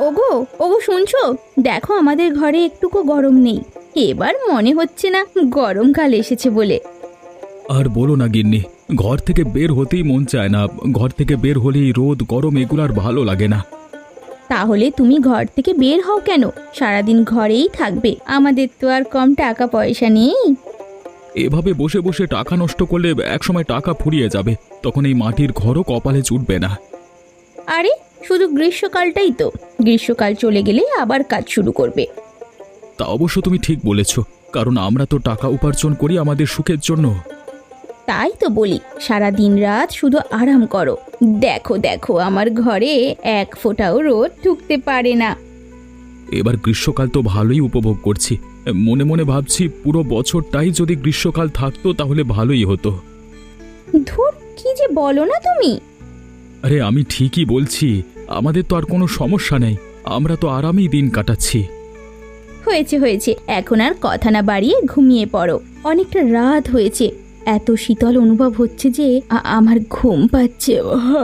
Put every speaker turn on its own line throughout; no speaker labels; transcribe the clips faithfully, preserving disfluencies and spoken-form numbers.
ওগো ওগো শুনছো? দেখো আমাদের ঘরে একটুকু গরম নেই। এবার মনে হচ্ছে না গরমকাল এসেছে বলে।
আর বলো না গিন্নি, ঘর থেকে বের হতেই মন চায় না। ঘর থেকে বের হলেই রোদ গরম এগুলো আর ভালো লাগে না।
তাহলে তুমি ঘর থেকে বের হও কেন? সারাদিন ঘরেই থাকবে, আমাদের তো আর কম টাকা পয়সা নেই।
এভাবে বসে বসে টাকা নষ্ট করলে একসময় টাকা ফুরিয়ে যাবে, তখন এই মাটির ঘরও কপালে জুটবে না।
আরে শুধু গ্রীষ্মকালটাই তো, গ্রীষ্মকাল চলে গেলে আবার কাজ শুরু করবে।
তা অবশ্য তুমি ঠিক বলেছ, কারণ আমরা তো টাকা উপার্জন করি আমাদের সুখের জন্য।
তাই তো বলি সারা দিন রাত শুধু আরাম করো। দেখো দেখো আমার ঘরে এক ফোঁটাও রোদ ঢুকতে পারে না।
এবার গ্রীষ্মকাল তো ভালোই উপভোগ করছি। মনে মনে ভাবছি পুরো বছরটাই যদি গ্রীষ্মকাল থাকতো তাহলে ভালোই হতো।
ধুর, কি যে বলো না তুমি।
আরে আমি ঠিকই বলছি, আমাদের তো আর কোনো সমস্যা নেই, আমরা তো আরামেই দিন কাটাচ্ছি।
হয়েছে হয়েছে, এখন আর কথা না বাড়িয়ে ঘুমিয়ে পড়ো। অনেকটা রাত হয়েছে, এত শীতল অনুভব হচ্ছে যে আ- আমার ঘুম পাচ্ছে।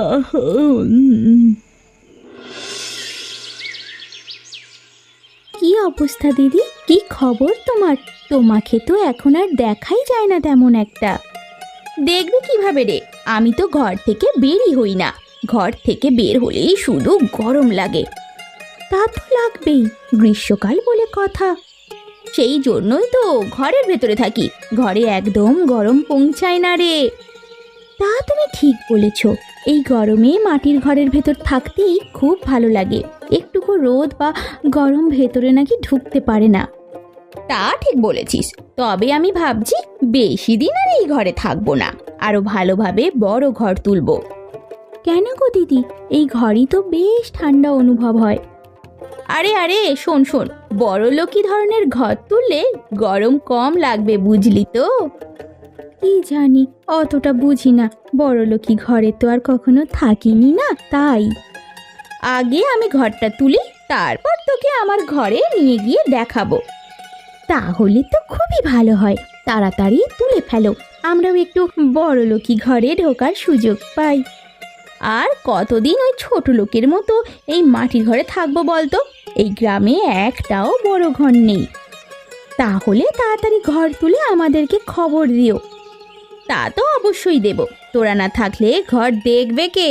কি অবস্থা দিদি? কি খবর তোমার? তোমাকে তো এখন আর দেখাই যায় না তেমন একটা। দেখবে কিভাবে রে, আমি তো ঘর থেকে বেরই হই না। ঘর থেকে বের হলেই শুধু গরম লাগে। তা তো লাগবেই, গ্রীষ্মকাল বলে কথা। সেই জন্যই তো ঘরের ভেতরে থাকি, ঘরে একদম গরম পৌঁছায় না রে। তা তুমি ঠিক বলেছ, এই গরমে মাটির ঘরের ভেতর থাকতেই খুব ভালো লাগে। একটুকু রোদ বা গরম ভেতরে নাকি ঢুকতে পারে না। তা ঠিক বলেছিস, তবে আমি ভাবছি বেশি দিন আর এই ঘরে থাকবো না, আরো ভালোভাবে বড় ঘর তুলবো। কেন গো দিদি, এই ঘরই তো বেশ ঠান্ডা অনুভব হয়। আরে আরে শোন শোন, বড়লোকি ধরনের ঘর তুললে গরম কম লাগবে, বুঝলি তো? কি জানি, অতটা বুঝি না। বড়লোকি ঘরে তো আর কখনো থাকিনি না, তাই। আগে আমি ঘরটা তুলি, তারপর তোকে আমার ঘরে নিয়ে গিয়ে দেখাবো। তাহলে তো খুবই ভালো হয়, তাড়াতাড়ি তুলে ফেলো, আমরাও একটু বড়লোকি ঘরে ঢোকার সুযোগ পাই। আর কতদিন ওই ছোট লোকের মতো এই মাটির ঘরে থাকবো বলতো? এই গ্রামে একটাও বড় ঘর নেই। তাহলে তাড়াতাড়ি ঘর তুলে আমাদেরকে খবর দিও। তা তো অবশ্যই দেব, তোরা না থাকলে ঘর দেখবে কে?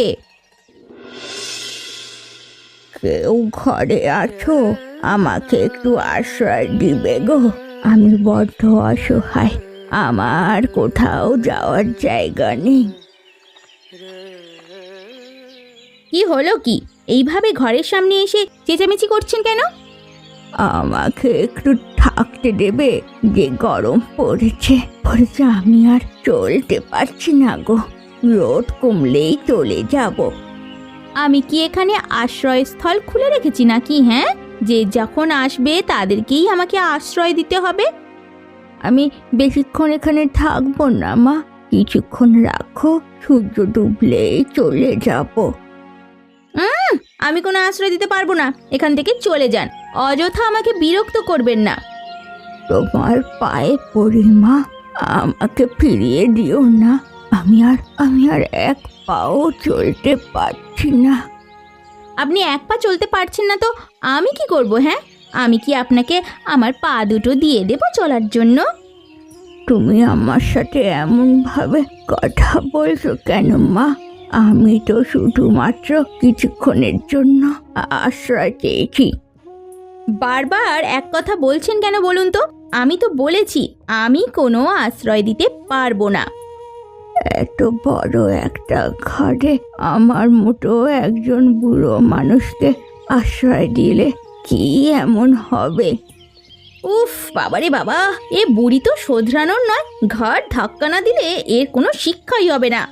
কেউ ঘরে আছো? আমাকে একটু আশ্রয় দিবে গো, আমি বড্ড অসহায়, আমার কোথাও যাওয়ার জায়গা নেই। কি হলো কি, এইভাবে ঘরের সামনে এসে চেঁচামেচি করছেন কেন? আমাকে একটু থাকতে দেবে, যে গরম পড়েছে পড়েছে, আমি আর চলতে পারছি না গো, রোদ কমলেই চলে যাব। আমি কি এখানে আশ্রয়স্থল খুলে রেখেছি নাকি? হ্যাঁ, যে যখন আসবে তাদেরকেই আমাকে আশ্রয় দিতে হবে। আমি বেশিক্ষণ এখানে থাকবো না মা, কিছুক্ষণ রাখো, সূর্য ডুবলেই চলে যাব। আমি কোনো আশ্রয় দিতে পারবো না, এখান থেকে চলে যান, অযথা আমাকে বিরক্ত করবেন না। তোমার পায়ে পড়ি মা, আমাকে ফিরিয়ে দিও না, আমি আর আমি আর এক পাও চলতে পারছি না। আপনি এক পা চলতে পারছেন না তো আমি কি করব? হ্যাঁ, আমি কি আপনাকে আমার পা দুটো দিয়ে দেব চলার জন্য? তুমি আমার সাথে এমন ভাবে কথা বলছো কেন মা? আমি তো শুধুমাত্র কিছুক্ষণের জন্য আশ্রয় চেয়েছি। বারবার এক কথা বলছেন কেন বলুন তো? আমি তো বলেছি আমি কোনো আশ্রয় দিতে পারবো না। এত বড় একটা ঘরে আমার মতো একজন বুড়ো মানুষকে আশ্রয় দিলে কি এমন হবে? উফ বাবারে বাবা, এ বুড়ি তো শোধরানোর নয়, ঘর ধাক্কা না দিলে এর কোনো শিক্ষাই হবে না।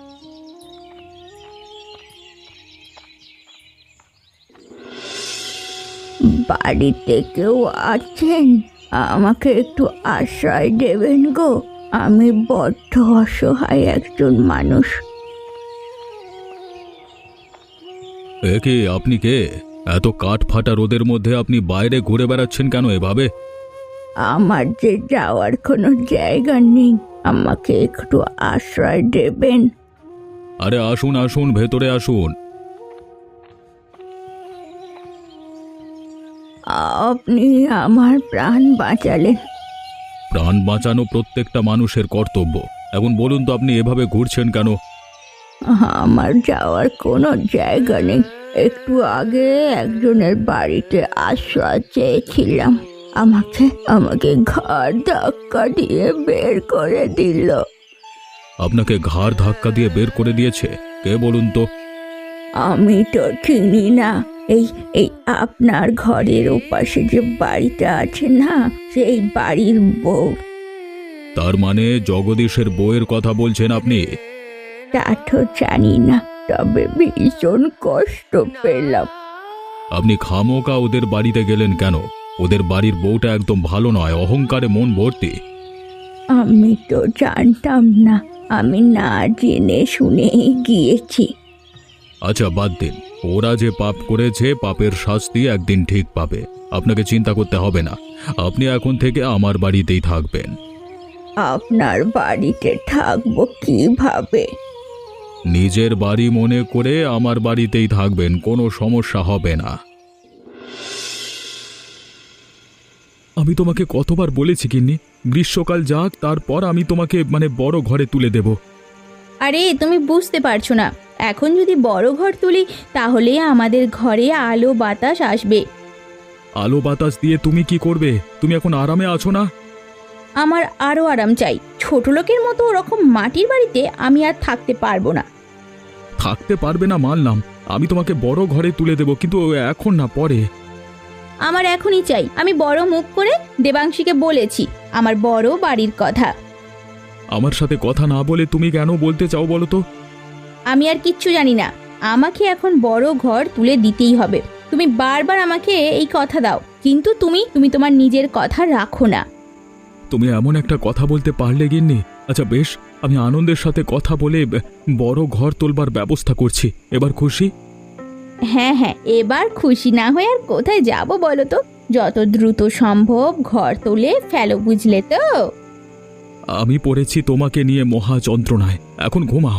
বাড়িতে কেউ আছেন? আমাকে একটু আশ্রয় দেবেন গো, আমি বড্ড অসহায় একজন মানুষ।
এ কে, আপনি কে? এত কাঠ ফাটা রোদের মধ্যে আপনি বাইরে ঘুরে বেড়াচ্ছেন কেন এভাবে?
আমার যে যাওয়ার কোনো জায়গা নেই, আমাকে একটু আশ্রয় দেবেন।
আরে আসুন আসুন, ভেতরে আসুন।
আপনি আমার প্রাণ বাঁচালেন।
প্রাণ বাঁচানো প্রত্যেকটা মানুষের কর্তব্য। এখন বলুন তো আপনি এভাবে ঘুরছেন কেন?
আমার যাওয়ার কোনো জায়গা নেই। একটু আগে একজনের বাড়িতে আশ্রয় চেয়েছিলাম, আমাকে আমাকে ঘাড় ধাক্কা দিয়ে বের করে দিল।
আপনাকে ঘাড় ধাক্কা দিয়ে বের করে দিয়েছে? কে বলুন তো?
আমি তো চিনি না। এই এই আপনার ঘরের ওপাশে যে বাড়িটা আছে না, সেই বাড়ির বউ।
তার মানে জগদীশের বউয়ের কথা বলছেন আপনি?
তা তো জানি না, তবে ভীষণ কষ্ট পেলাম।
আপনি খামোকা ওদের বাড়িতে গেলেন কেন? ওদের বাড়ির বউটা একদম ভালো নয়, অহংকারে মন ভর্তি।
আমি তো জানতাম না, আমি না জেনে শুনে গিয়েছি।
আচ্ছা বাদ দিন, ওরা যে পাপ করেছে পাপের শাস্তি একদিন ঠিক পাবে। আপনাকে চিন্তা করতে হবে না। আপনি এখন থেকে আমার বাড়িতেই থাকবেন।
আপনার বাড়িতে থাকবো কিভাবে?
নিজের বাড়ি মনে করে আমার বাড়িতেই থাকবেন, কোনো সমস্যা হবে না। আমি তোমাকে কতবার বলেছি গিন্নি, গ্রীষ্মকাল যাক তারপর আমি তোমাকে মানে বড় ঘরে তুলে দেব।
আরে তুমি বুঝতে পারছো না, এখন যদি বড় ঘর তুলি তাহলে আমাদের ঘরে আলো বাতাস আসবে।
আলো বাতাস দিয়ে তুমি কি করবে? তুমি এখন আরামে আছো না?
আমার আরও আরাম চাই। ছোট লোকের মতো ওরকম মাটির বাড়িতে আমি আর থাকতে পারবো না।
থাকতে পারবে না মানলাম, আমি তোমাকে বড় ঘরে তুলে দেব, কিন্তু এখন না, পরে।
আমার এখনই চাই। আমি বড় মুখ করে দেবাংশীকে বলেছি আমার বড় বাড়ির কথা।
আমার সাথে কথা না বলে তুমি কেন বলতে চাও বলো তো?
আমি আর কিচ্ছু জানি না, আমাকে এখন বড় ঘর তুলে দিতেই হবে। তুমি বারবার আমাকে এই কথা দাও, কিন্তু তুমি তুমি তোমার নিজের কথা রাখো না।
তুমি এমন একটা কথা বলতে পারলে গিন্নি। আচ্ছা বেশ, আমি আনন্দের সাথে কথা বলে বড় ঘর তোলবার ব্যবস্থা করছি। এবার খুশি?
হ্যাঁ হ্যাঁ, এবার খুশি না হয়ে আর কোথায় যাব বলো তো? যত দ্রুত সম্ভব ঘর তুলে ফেলো, বুঝলে তো?
আমি পড়েছি তোমাকে নিয়ে মহা যন্ত্রণায়, এখন ঘুমাও।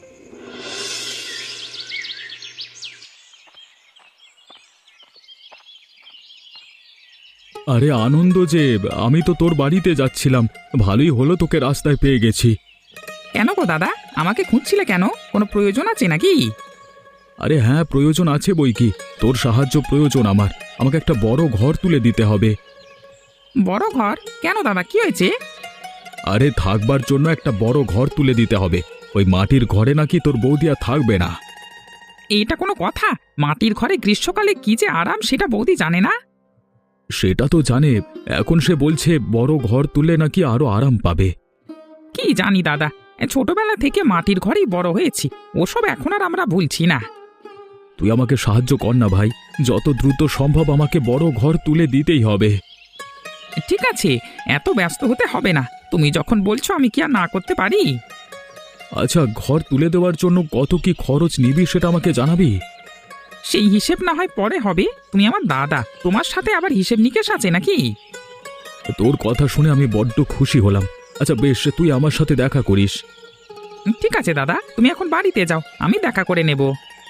আরে আনন্দ যে, আমি তো তোর বাড়িতে যাচ্ছিলাম, ভালোই হলো তোকে রাস্তায় পেয়ে গেছি।
কেন গো দাদা, আমাকে খুঁজছিলে কেন? কোনো প্রয়োজন আছে নাকি?
আরে হ্যাঁ, প্রয়োজন আছে বই কি। তোর সাহায্য প্রয়োজন আমার। আমাকে একটা বড় ঘর তুলে দিতে হবে।
বড় ঘর? কেন দাদা, কি হয়েছে?
আরে থাকবার জন্য একটা বড় ঘর তুলে দিতে হবে। ওই মাটির ঘরে নাকি তোর বৌদি আর থাকবে না।
এইটা কোনো কথা? মাটির ঘরে গ্রীষ্মকালে কি যে আরাম সেটা বৌদি জানে না?
সেটা তো জানে, এখন সে বলছে বড় ঘর তুললে নাকি আরো আরাম পাবে।
কি জানি দাদা, এ ছোটবেলা থেকে মাটির ঘরেই বড় হয়েছি, ওসব এখন আর আমরা ভুলছি না।
তুই আমাকে সাহায্য কর না ভাই, যত দ্রুত সম্ভব আমাকে বড় ঘর তুলে দিতেই হবে।
ঠিক আছে, এত ব্যস্ত হতে হবে না। তুমি যখন বলছো আমি কি আর না করতে পারি?
আচ্ছা, ঘর তুলে দেওয়ার জন্য কত কি খরচ নিবি সেটা আমাকে জানাবি?
সেই হিসেব না হয় পরে হবে। তুমি আমার দাদা, তোমার সাথে আবার হিসেব নিকেশ আছে নাকি?
তোর কথা শুনে আমি বড্ড খুশি হলাম। আচ্ছা বেশ, তুই আমার সাথে দেখা করিস।
ঠিক আছে দাদা, তুমি এখন বাড়িতে যাও, আমি দেখা করে নেব।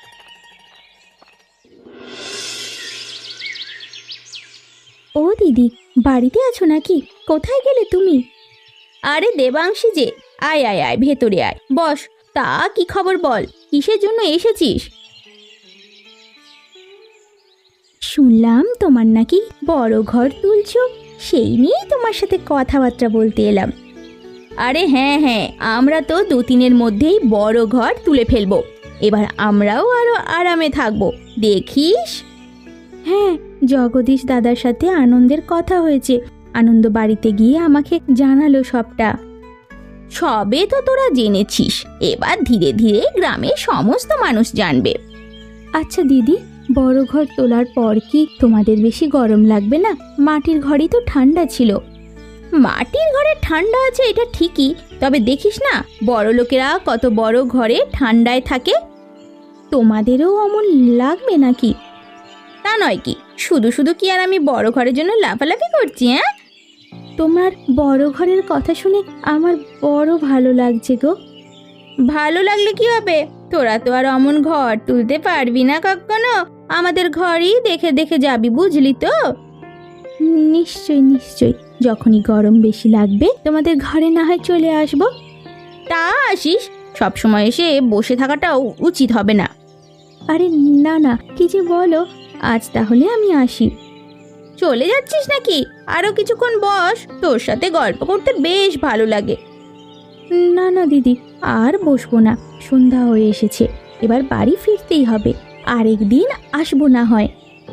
ও দিদি, বাড়িতে আছো নাকি? কোথায় গেলে তুমি? আরে দেবাংশী যে, আয় আয় আয়, ভেতরে আয়, বস। তা কি খবর বল, কিসের জন্য এসেছিস? শুনলাম তোমার নাকি বড় ঘর তুলছো, সেই নিয়েই তোমার সাথে কথাবার্তা বলতে এলাম। আরে হ্যাঁ হ্যাঁ, আমরা তো দু তিনের মধ্যেই বড় ঘর তুলে ফেলবো। এবার আমরাও আরো আরামে থাকবো, দেখিস। হ্যাঁ, জগদীশ দাদার সাথে আনন্দের কথা হয়েছে। আনন্দ বাড়িতে গিয়ে আমাকে জানালো সবটা। সবে তো তোরা জেনেছিস, এবার ধীরে ধীরে গ্রামের সমস্ত মানুষ জানবে। আচ্ছা দিদি, বড় ঘর তোলার পর কি তোমাদের বেশি গরম লাগবে না? মাটির ঘরই তো ঠান্ডা ছিল। মাটির ঘরে ঠান্ডা আছে এটা ঠিকই, তবে দেখিস না বড় লোকেরা কত বড় ঘরে ঠান্ডায় থাকে। তোমাদেরও অমন লাগবে নাকি? তা নয় কি, শুধু শুধু কি আর আমি বড় ঘরের জন্য লাফালাফি করছি? হ্যাঁ, তোমার বড় ঘরের কথা শুনে আমার বড় ভালো লাগছে গো। ভালো লাগলে কি হবে, তোরা তো আর অমন ঘর তুলতে পারবি না কখনো। আমাদের ঘরেই দেখে দেখে যাবি, বুঝলি তো? নিশ্চয় নিশ্চয়, যখনই গরম বেশি লাগবে তোমাদের ঘরে না হয় চলে আসবো। তা আসিস, সব সময় এসে বসে থাকাটাও উচিত হবে না। আরে না না, কি যে বলো, আজ তাহলে আমি আসি। চলে যাচ্ছিস নাকি? আরো কিছুক্ষণ বস, তোর সাথে গল্প করতে বেশ ভালো লাগে। না না দিদি, আর বসবো না, সন্ধ্যা হয়ে এসেছে, এবার বাড়ি ফিরতেই হবে, আরেকদিন আসবো না হয়।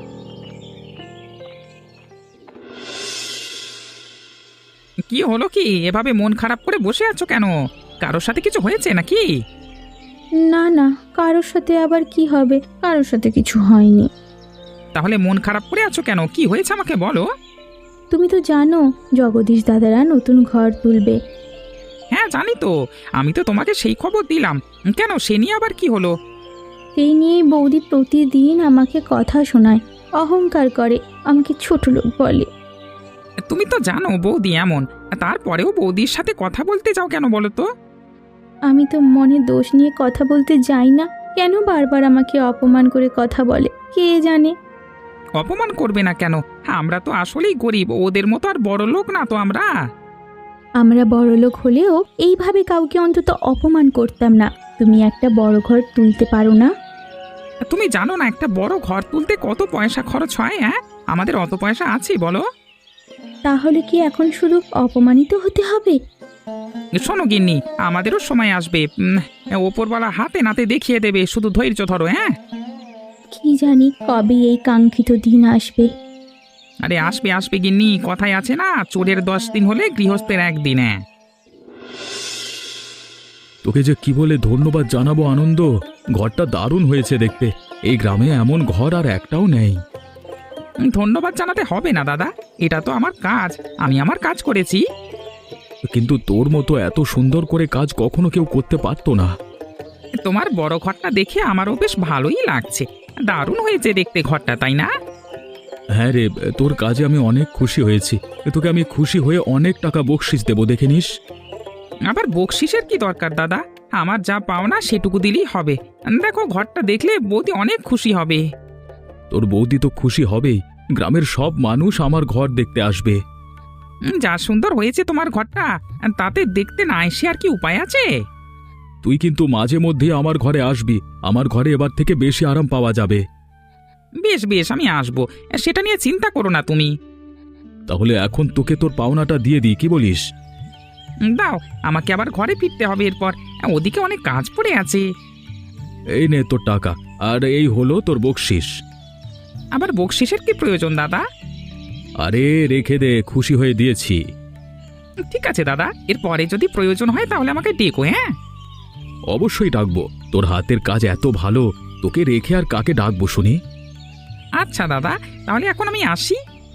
কি হলো কি, এভাবে মন খারাপ করে বসে আছো কেন? কারোর সাথে কিছু হয়েছে নাকি?
না না, কারোর সাথে আবার কি হবে, কারোর সাথে কিছু হয়নি।
তাহলে মন খারাপ করে আছো কেন? কি হয়েছে আমাকে বলো।
তুমি তো জানো জগদীশ দাদারা নতুন ঘর তুলবে।
হ্যাঁ জানি তো, আমি তো তোমাকে সেই খবর দিলাম। কেন, সে নিয়ে আবার কি হলো?
সেই নিয়েই বৌদি প্রতিদিন আমাকে কথা শোনায়, অহংকার করে, আমাকে ছোট লোক বলে।
তুমি তো জানো বৌদি এমন, তারপরেও বৌদির সাথে কথা বলতে যাও কেন বলো তো?
আমি তো মনে দোষ নিয়ে কথা বলতে যাই না, কেন বারবার আমাকে অপমান করে কথা বলে কে জানে।
অপমান করবে না কেন? আমরা তো আসলেই গরিব, ওদের মতো আর বড় লোক না তো আমরা।
আমরা বড়লোক হলেও এইভাবে কাউকে অন্তত অপমান করতাম না। তুমি একটা বড় ঘর তুলতে পারো না?
তুমি জানো না একটা বড় ঘর তুলতে কত পয়সা খরচ হয়? হ্যাঁ, আমাদের অত পয়সা আছে বলো?
তাহলে কি এখন শুধু অপমানিত হতে হবে?
শোনো গিন্নি, আমাদেরও সময় আসবে, উম, ওপরওয়ালা হাতে নাতে দেখিয়ে দেবে, শুধু ধৈর্য ধরো। হ্যাঁ,
কি জানি কবে এই কাঙ্ক্ষিত দিন আসবে।
আরে আসবে আসবে গিন্নি, কথায় আছে না, চোরের দশ দিন হলে গৃহস্থের একদিন। হ্যাঁ,
তোকে যে কি বলে ধন্যবাদ জানাবো আনন্দ, ঘরটা দারুণ হয়েছে দেখতে। এই গ্রামে এমন ঘর আর একটাও নেই।
ধন্যবাদ জানাতে হবে না দাদা, এটা তো আমার কাজ, আমি আমার কাজ করেছি।
কিন্তু তোর মতো এত সুন্দর করে কাজ কখনো কেউ করতে পারতো না।
তোমার বড় ঘরটা দেখে আমারও বেশ ভালোই লাগছে, দারুণ হয়েছে দেখতে ঘরটা, তাই না?
হ্যাঁ রে, তোর কাজে আমি অনেক খুশি হয়েছি। তোকে আমি খুশি হয়ে অনেক টাকা বকশিস দেবো, দেখে নিস।
আবার বকশিসের কি দরকার দাদা, আমার যা পাওনা সেটুকু দিলেই হবে। দেখো ঘরটা দেখলে বৌদি অনেক খুশি হবে।
তোর বৌদি তো খুশি হবেই, গ্রামের সব মানুষ আমার ঘর দেখতে আসবে।
উম, যা সুন্দর হয়েছে তোমার ঘরটা, তাতে দেখতে না এসে আর কি উপায় আছে?
তুই কিন্তু মাঝে মধ্যে আমার ঘরে আসবি, আমার ঘরে এবার থেকে বেশি আরাম পাওয়া যাবে।
বেশ বেশ, আমি আসবো, সেটা নিয়ে চিন্তা করো না তুমি।
তাহলে এখন তোকে তোর পাওনাটা দিয়ে দিই, কি বলিস?
উম, দাও, আমাকে আবার ঘরে ফিরতে হবে এরপর, ওদিকে অনেক কাজ পড়ে আছে।
এই নে তোর টাকা, আর এই হলো তোর বকশিস।
আবার বকশিসের কি প্রয়োজন দাদা?
আরে রেখে দে, খুশি হয়ে দিয়েছি।
ঠিক আছে দাদা, এরপরে যদি প্রয়োজন হয় তাহলে আমাকে ডেকো। হ্যাঁ,
অবশ্যই ডাকবো, তোর হাতের কাজ এত ভালো, তোকে রেখে আর কাকে ডাকবো শুনি।
আচ্ছা দাদা, তাহলে এখন আমি আসি।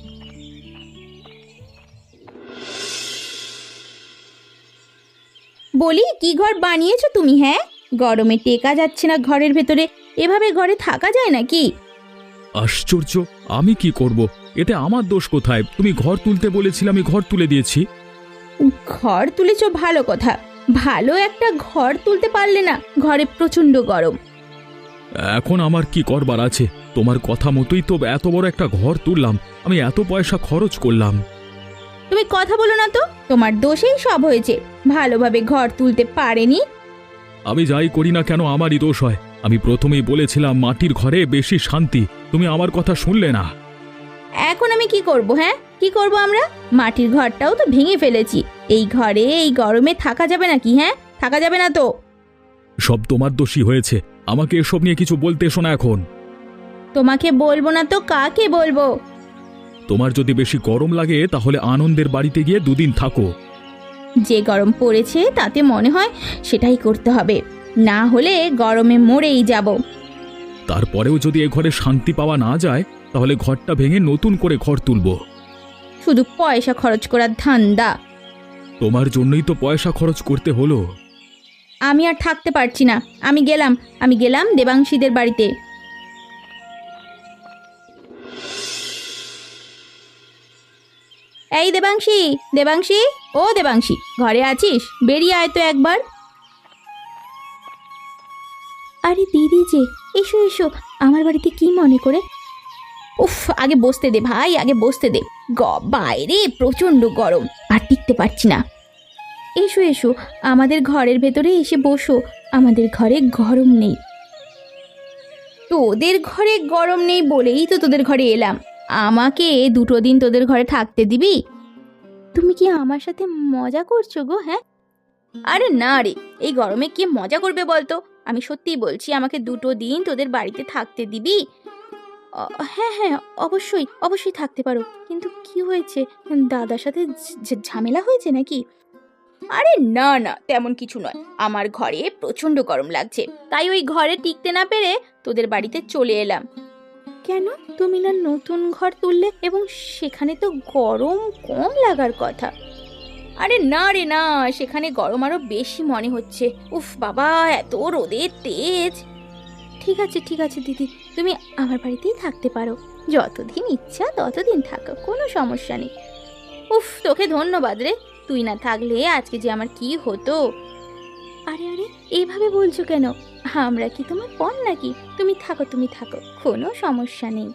বলি, কি ঘর বানিয়েছো তুমি? হ্যাঁ, গরমে টেকা যাচ্ছে না ঘরের ভেতরে, এভাবে ঘরে থাকা যায় নাকি?
আশ্চর্য, আমি কি করব? এতে আমার দোষ কোথায়? তুমি ঘর তুলতে বলেছিলে, আমি ঘর তুলে দিয়েছি।
ঘর তুলেছো ভালো কথা, ভালো একটা ঘর তুলতে পারলে না, ঘরে প্রচন্ড গরম।
এখন আমার কি করবার আছে? তোমার কথা মতোই তো এত বড় একটা ঘর তুললাম, আমি এত পয়সা খরচ করলাম।
তুমি কথা বলো না তো, তোমার দোষেই সব হয়েছে, ভালোভাবে ঘর তুলতে পারেনি।
আমি যাই করি না কেন আমারই দোষ হয়। আমি প্রথমেই বলেছিলাম মাটির ঘরে বেশি শান্তি, তুমি আমার কথা শুনলে না।
এখন আমি কি করব? হ্যাঁ, কি করব আমরা? মাটির ঘরটাও তো ভেঙে ফেলেছি, এই ঘরে এই গরমে থাকা যাবে নাকি? হ্যাঁ, থাকা যাবে না তো।
সব তোমার দোষই হয়েছে, আমাকে এসব নিয়ে কিছু বলতে এসো না এখন।
তোমাকে বলবো না তো কাকে বলবো?
তোমার যদি বেশি গরম লাগে তাহলে আনন্দের বাড়িতে গিয়ে দুদিন থাকো।
যে গরম পড়েছে তাতে মনে হয় সেটাই করতে হবে, না হলে গরমে মরেই যাব।
তারপরেও যদি এ ঘরে শান্তি পাওয়া না যায় তাহলে ঘরটা ভেঙে নতুন করে ঘর তুলব।
শুধু পয়সা খরচ করার ধান্দা।
তোমার জন্যই তো পয়সা খরচ করতে হলো।
আমি আর থাকতে পারছি না, আমি গেলাম, আমি গেলাম দেবাংশীদের বাড়িতে। এই দেবাংশী, দেবাংশী, ও দেবাংশী, ঘরে আছিস? বেরিয়ে আয় তো একবার। আরে দিদি যে, এসো এসো আমার বাড়িতে কি মনে করে? উফ, আগে বসতে দে ভাই, আগে বসতে দে। গ বাইরে প্রচণ্ড গরম, আর টিকতে পারছি না। এসো এসো আমাদের ঘরের ভেতরে এসে বসো, আমাদের ঘরে গরম নেই। তোদের ঘরে গরম নেই বলেই তো তোদের ঘরে এলাম। আমাকে দুটো দিন তোদের ঘরে থাকতে দিবি? তুমি কি আমার সাথে মজা করছো গো? হ্যাঁ, আরে না রে, এই গরমে কে মজা করবে বলতো? আমি সত্যিই বলছি, আমাকে দুটো দিন তোদের বাড়িতে থাকতে দিবি? অ- হ্যাঁ হ্যাঁ, অবশ্যই অবশ্যই থাকতে পারো। কিন্তু কি হয়েছে, দাদার সাথে ঝ- ঝ- ঝামেলা হয়েছে নাকি? আরে না না, তেমন কিছু নয়। আমার ঘরে প্রচণ্ড গরম লাগছে, তাই ওই ঘরে টিকতে না পেরে তোদের বাড়িতে চলে এলাম। কেন, তুমি না নতুন ঘর তুললে এবং সেখানে তো গরম কম লাগার কথা? আরে না রে না, সেখানে গরম আরো বেশি মনে হচ্ছে। উফ বাবা, এত রোদের তেজ। ঠিক আছে ঠিক আছে দিদি, তুমি আমার বাড়িতেই থাকতে পারো। যতদিন ইচ্ছা ততদিন থাকো, কোনো সমস্যা নেই। উফ, তোকে ধন্যবাদ রে, তুই না থাকলে আজকে যে আমার কি হতো। আরে আরে, এইভাবে বলছো কেন? আমরা কি তোমার পর নাকি? তুমি থাকো তুমি থাকো, কোনো সমস্যা নেই।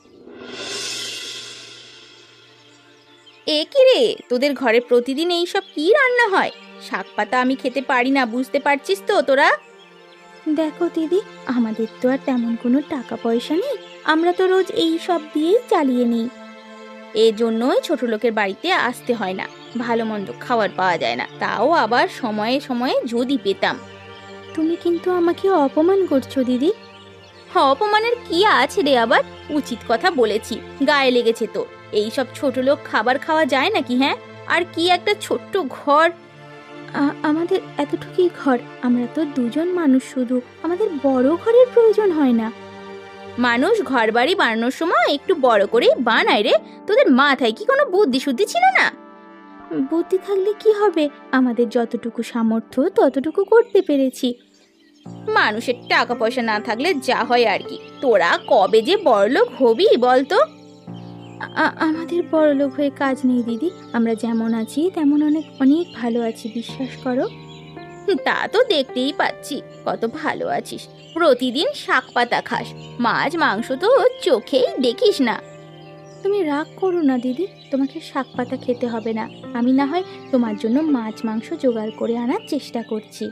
এ কি রে, তোদের ঘরে প্রতিদিন এইসব কি রান্না হয়? শাক পাতা আমি খেতে পারি না, বুঝতে পারছিস তো তোরা? দেখো দিদি, আমাদের তো আর তেমন কোনো টাকা পয়সা নেই, আমরা তো রোজ এই সব দিয়েই চালিয়ে নিই। এজন্যই ছোট লোকের বাড়িতে আসতে হয় না, ভালো মন্দ খাবার পাওয়া যায় না, তাও আবার সময়ে সময়ে যদি পেতাম। তুমি কিন্তু আমাকে অপমান করছো দিদি। অপমানের কি আছে রে আবার? উচিত কথা বলেছি, গায়ে লেগেছে তো। এই সব ছোট লোক খাবার খাওয়া যায় নাকি? হ্যাঁ, আর কি একটা ছোট্ট ঘর। আমাদের এতটুকুই ঘর, আমরা তো দুজন মানুষ শুধু, আমাদের বড় ঘরের প্রয়োজন হয় না। মানুষ ঘর বাড়ি বানানোর সময় একটু বড় করেই বানায় রে, তোদের মাথায় কি কোনো বুদ্ধি শুদ্ধি ছিল না? বুদ্ধি থাকলে কি হবে, আমাদের যতটুকু সামর্থ্য ততটুকু করতে পেরেছি। মানুষের টাকা পয়সা না থাকলে যা হয় আর কি। তোরা কবে যে বড়লোক হবি বলতো? আমাদের বড়লোক হয়ে কাজ নেই দিদি, আমরা যেমন আছি তেমন অনেক অনেক ভালো আছি, বিশ্বাস করো। তা তো দেখতেই পাচ্ছি কত ভালো আছিস, প্রতিদিন শাক পাতা খাস, মাছ মাংস তো চোখেই দেখিস না। তুমি রাগ করো না দিদি, তোমাকে শাক পাতা খেতে হবে না, আমি না হয় তোমার জন্য মাছ মাংস জোগাড় করে আনার চেষ্টা করছি।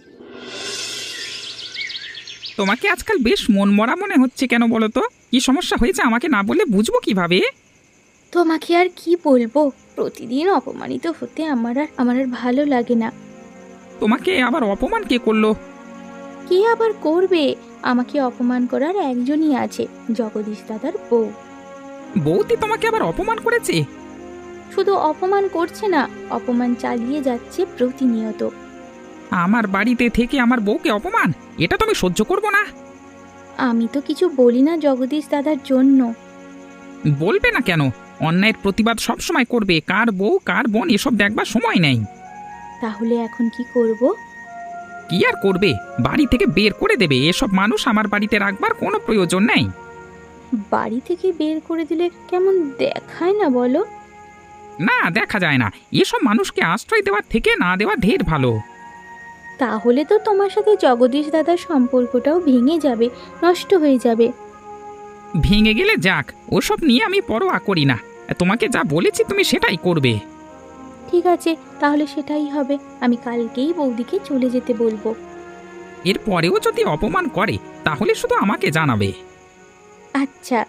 তোমাকে আজকাল বেশ মন মরা মনে হচ্ছে কেন বলো তো? কি সমস্যা হয়েছে আমাকে না বলে বুঝবো কিভাবে?
তোমাকে আর কি বলবো, প্রতিদিন অপমানিত হতে আমার আর আমার আর ভালো লাগে না।
তোমাকে আবার অপমান কে করলো?
কে আবার করবে, আমাকে অপমান করার একজনই আছে, জগদীশ দাদার বউ।
বৌদি তোমাকে আবার অপমান করেছে?
শুধু অপমান করছে না, অপমান চালিয়ে যাচ্ছে প্রতিনিয়ত।
আমার বাড়িতে থেকে আমার বউকে অপমান, এটা তো আমি সহ্য করবো না।
আমি তো কিছু বলি না জগদীশ দাদার জন্য।
বলবে না কেন? অন্যায়ের প্রতিবাদ সব সময় করবে, কার বউ কার বোন এসব দেখবার সময় নেই।
তাহলে এখন কি করব?
কি আর করবে, বাড়ি থেকে বের করে দেবে। এসব মানুষ আমার বাড়িতে রাখবার কোনো প্রয়োজন নেই।
বাড়ি থেকে বের করে দিলে কেমন দেখায় না বলো?
না, দেখা যায় না। এসব মানুষকে আশ্রয় দেওয়ার থেকে না দেওয়া ঢের ভালো।
তাহলে তো তোমার সাথে জগদীশ দাদার সম্পর্কটাও ভেঙে যাবে, নষ্ট হয়ে যাবে।
ভেঙে গেলে যাক, ওসব নিয়ে আমি পরোয়া করি না। তোমাকে যা বলেছি তুমি সেটাই করবে।
ঠিক আছে, তাহলে সেটাই হবে, আমি কালকেই বৌদিকে চলে যেতে বলবো।
এরপরেও যদি অপমান করে তাহলে শুধু আমাকে জানাবে।
আচ্ছা।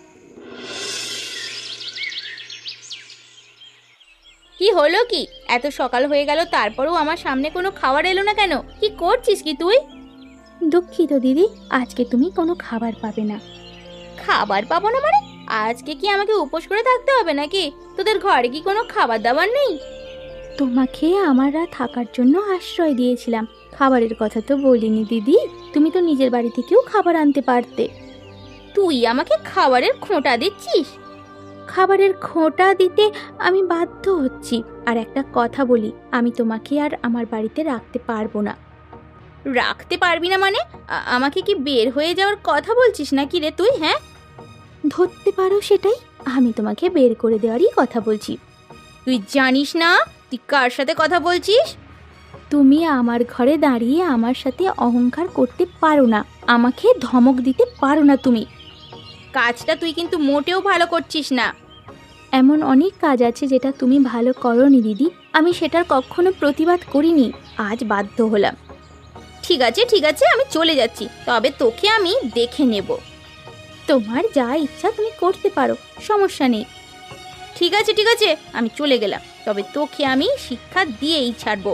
কি হলো কি, এত সকাল হয়ে গেল তারপরেও আমার সামনে কোনো খাবার এলো না কেন? কি করছিস কি তুই? দুঃখিত দিদি, আজকে তুমি কোনো খাবার পাবে না। খাবার পাবো না মানে? আজকে কি আমাকে উপোস করে থাকতে হবে নাকি? তোদের ঘরে কি কোনো খাবার দাবার নেই? তোমাকে আমরা থাকার জন্য আশ্রয় দিয়েছিলাম, খাবারের কথা তো বলিনি দিদি। তুমি তো নিজের বাড়ি থেকেও খাবার আনতে পারতে। তুই আমাকে খাবারের খোঁটা দিচ্ছিস? খাবারের খোঁটা দিতে আমি বাধ্য হচ্ছি। আর একটা কথা বলি, আমি তোমাকে আর আমার বাড়িতে রাখতে পারবো না। রাখতে পারবি না মানে? আ- আমাকে কি বের হয়ে যাওয়ার কথা বলছিস নাকি রে তুই? হ্যাঁ, ধরতে পারো সেটাই, আমি তোমাকে বের করে দেওয়ারই কথা বলছি। তুই জানিস না তুই কার সাথে কথা বলছিস? তুমি আমার ঘরে দাঁড়িয়ে আমার সাথে অহংকার করতে পারো না, আমাকে ধমক দিতে পারো না তুমি। কাজটা তুই কিন্তু মোটেও ভালো করছিস না। এমন অনেক কাজ আছে যেটা তুমি ভালো করোনি দিদি, আমি সেটার কখনো প্রতিবাদ করিনি, আজ বাধ্য হলাম। ঠিক আছে ঠিক আছে, আমি চলে যাচ্ছি, তবে তোকে আমি দেখে নেব। তোমার যা ইচ্ছা তুমি করতে পারো, সমস্যা নেই। ঠিক আছে ঠিক আছে, আমি চলে গেলাম, তবে তোকে আমি শিক্ষা দিয়েই ছাড়বো।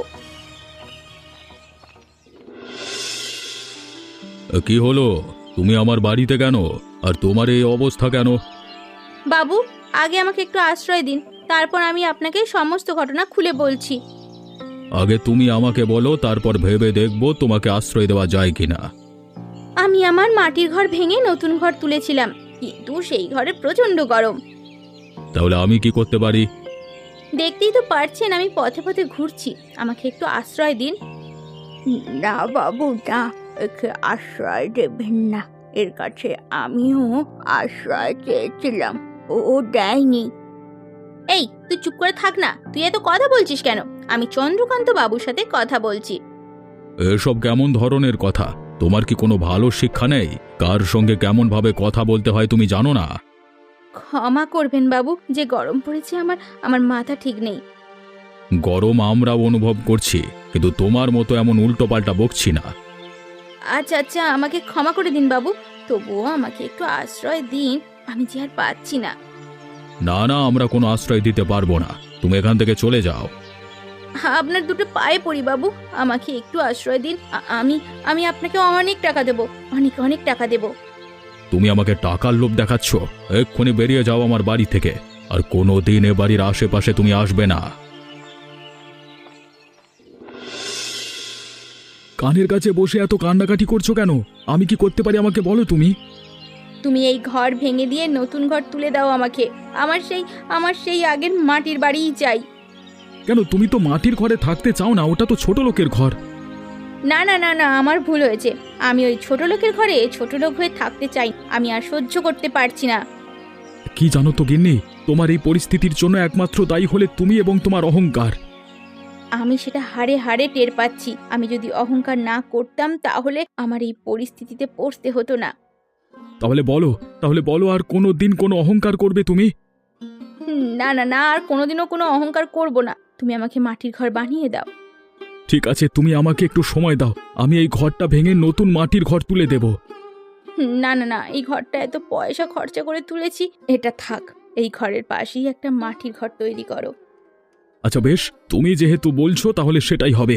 কি হলো, তুমি আমার বাড়িতে কেন, আর তোমার এই অবস্থা কেন?
বাবু, আগে আমাকে একটু আশ্রয় দিন, তারপর আমি আপনাকে সমস্ত ঘটনা খুলে বলছি।
আগে তুমি আমাকে বলো, তারপর ভেবে দেখবো তোমাকে আশ্রয় দেওয়া যায় কিনা।
আমি আমার মাটির ঘর ভেঙে নতুন ঘর তুলেছিলাম, কিন্তু সেই ঘরে প্রচন্ড গরম।
তাহলে আমি কি করতে পারি?
দেখতেই তো পারছেন আমি পথে পথে ঘুরছি, আমাকে একটু আশ্রয় দিন। না বাবু না, একে আশ্রয় দেবেন না, এর কাছে আমিও আশ্রয় চেয়েছিলাম, ও দেয়নি। এই তুই চুপ করে থাক না, তুই এত কথা বলছিস কেন? আমি চন্দ্রকান্ত বাবুর সাথে কথা বলছি।
এসব কেমন ধরনের কথা? তোমার কি কোনো ভালো শিক্ষা নেই? কার সঙ্গে কেমন ভাবে কথা বলতে হয় তুমি জানো না?
ক্ষমা করবেন বাবু, যে গরম পড়েছে আমার আমার মাথা ঠিক নেই।
গরম আমরাও অনুভব করছি, কিন্তু তোমার মতো এমন উল্টোপাল্টা বকছি না।
আচ্ছা আচ্ছা, আমাকে ক্ষমা করে দিন বাবু, তবুও আমাকে একটু আশ্রয় দিন, আমি যে আর পাচ্ছি না।
না না, আমরা কোনো আশ্রয় দিতে পারবো না, তুমি এখান থেকে চলে যাও।
আপনার দুটো পায়ে পড়ি বাবু, আমাকে একটু আশ্রয় দিন, আ- আমি আমি আপনাকে অনেক টাকা দেব, অনেক অনেক টাকা দেব।
তুমি আমাকে টাকার লোভ দেখাচ্ছ? এক্ষুনি বেরিয়ে যাও আমার বাড়ি থেকে, আর কোনো দিন এ বাড়ির আশেপাশে তুমি আসবে না। কানের কাছে বসে এত কান্নাকাটি করছো কেন? আমি কি করতে পারি আমাকে বলো তুমি।
তুমি এই ঘর ভেঙে দিয়ে নতুন ঘর তুলে দাও আমাকে, আমার সেই আমার সেই আগের মাটির বাড়িই চাই।
কেন, তুমি তো মাটির ঘরে থাকতে চাও না, ওটা তো ছোট লোকের ঘর।
না না না না, আমার ভুল হয়েছে, আমি ওই ছোট লোকের ঘরে ছোট লোক হয়ে থাকতে চাই, আমি আর সহ্য করতে পারছি না।
কি জানো তো গিন্নি, তোমার এই পরিস্থিতির জন্য একমাত্র দায়ী হলে তুমি এবং তোমার অহংকার।
আমি সেটা হাড়ে হাড়ে টের পাচ্ছি, আমি যদি অহংকার না করতাম তাহলে আমার এই পরিস্থিতিতে পড়তে হতো না।
তাহলে বলো, তাহলে বলো, আর কোনো দিন কোনো অহংকার করবে তুমি?
না না না, আর কোনোদিনও কোনো অহংকার করব না, তুমি আমাকে মাটির ঘর বানিয়ে দাও।
ঠিক আছে, তুমি আমাকে একটু সময় দাও, আমি এই ঘরটা ভেঙে নতুন মাটির ঘর তুলে দেব।
না না না, এই ঘরটা এত পয়সা খরচা করে তুলেছি, এটা থাক, এই ঘরের পাশেই একটা মাটির ঘর তৈরি করো।
আচ্ছা বেশ, তুমি যেহেতু বলছো তাহলে সেটাই হবে।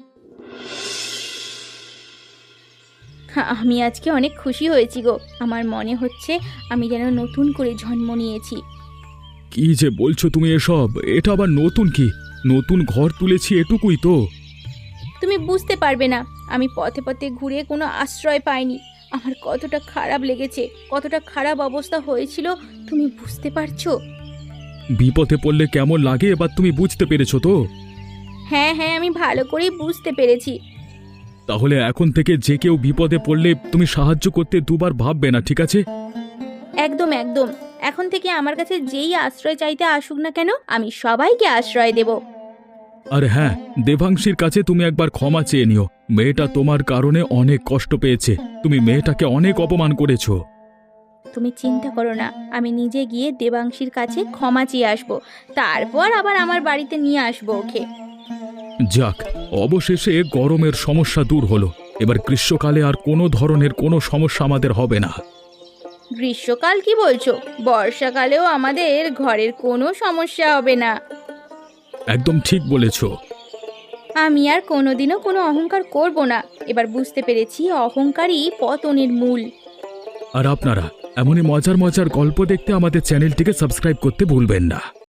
হ্যাঁ, আমি আজকে অনেক খুশি হয়েছি গো, আমার মনে হচ্ছে আমি যেন নতুন করে জন্ম নিয়েছি।
কি যে বলছো তুমি এসব? এটা আবার নতুন কি? নতুন ঘর তুলেছি এটুকুই তো।
তুমি বুঝতে পারবে না, আমি পথে পথে ঘুরে কোনো আশ্রয় পাইনি, আমার কতটা খারাপ লেগেছে, কতটা খারাপ অবস্থা হয়েছিল, তুমি বুঝতে পারছো?
বিপদে পড়লে কেমন লাগে এবার তুমি বুঝতে পেরেছো তো?
হ্যাঁ হ্যাঁ, আমি ভালো করেই বুঝতে পেরেছি।
তাহলে এখন থেকে যে কেউ বিপদে পড়লে তুমি সাহায্য করতে দুবার ভাববে না, ঠিক আছে?
একদম একদম, এখন থেকে আমার কাছে যেই আশ্রয় চাইতে আসুক না কেন, আমি সবাইকে আশ্রয় দেব।
আর হ্যাঁ, দেবাংশীর কাছে তুমি একবার ক্ষমা চেয়ে নিও, মেয়েটা তোমার কারণে অনেক কষ্ট পেয়েছে, তুমি মেয়েটাকে অনেক অপমান করেছো।
তুমি চিন্তা করো না, আমি নিজে গিয়ে দেবাংশীর কাছে ক্ষমা চেয়ে আসবো, তারপর আবার আমার বাড়িতে নিয়ে আসবো ওকে।
যাক, অবশেষে গরমের সমস্যা দূর হলো, এবার গ্রীষ্মকালে আর কোনো ধরনের কোনো সমস্যা আমাদের হবে না।
গ্রীষ্মকাল কি বলছো? বর্ষাকালেও আমাদের ঘরের কোনো সমস্যা হবে না।
একদম ঠিক বলেছো।
আমি আর কোনোদিনও কোনো অহংকার করব না, এবার বুঝতে পেরেছি অহংকারই পতনের মূল।
আর আপনারা এমনই মজার মজার গল্প দেখতে আমাদের চ্যানেলটিকে সাবস্ক্রাইব করতে ভুলবেন না।